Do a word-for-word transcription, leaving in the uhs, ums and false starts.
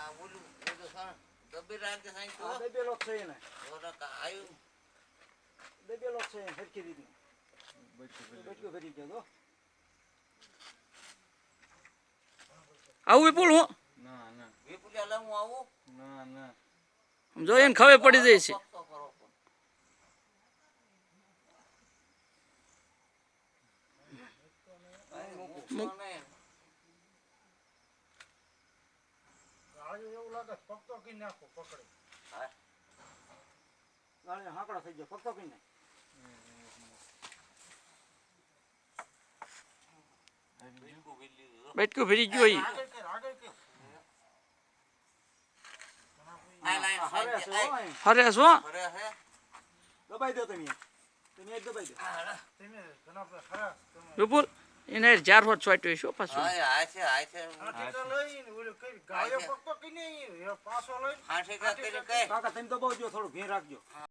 દબેલો છે એને દબેલો છે સરખી રીતનું બચકો કરી ગયો આવું વિપુલ હું ના ના વિપુલિયા હું આવું ના ના જોઈએ ને ખબર પડી જાય છે એવું લાગે પકતો કી નાખો પકડે ગાળે હાકડા થઈ ગયો પકતો કી નાખ બેટકું ફરી ગયો ઈ આગળ કર આગળ કર આ લાઈન હરે છે ઓય હરે શું અરે હે દબાઈ દો તમે તમે એક દબાઈ દો તમે ઘણા હરા વિપુલ એને ચાર હોત છોટ્યો શું પાછું હા આ છે આ છે આ ટીકા લઈને ઓલો કઈ ગાયો પકતો કી નહીં પાછો લઈને હાંઠી કા કરી કઈ કાકા તમે દબાવજો થોડું ઘેર રાખજો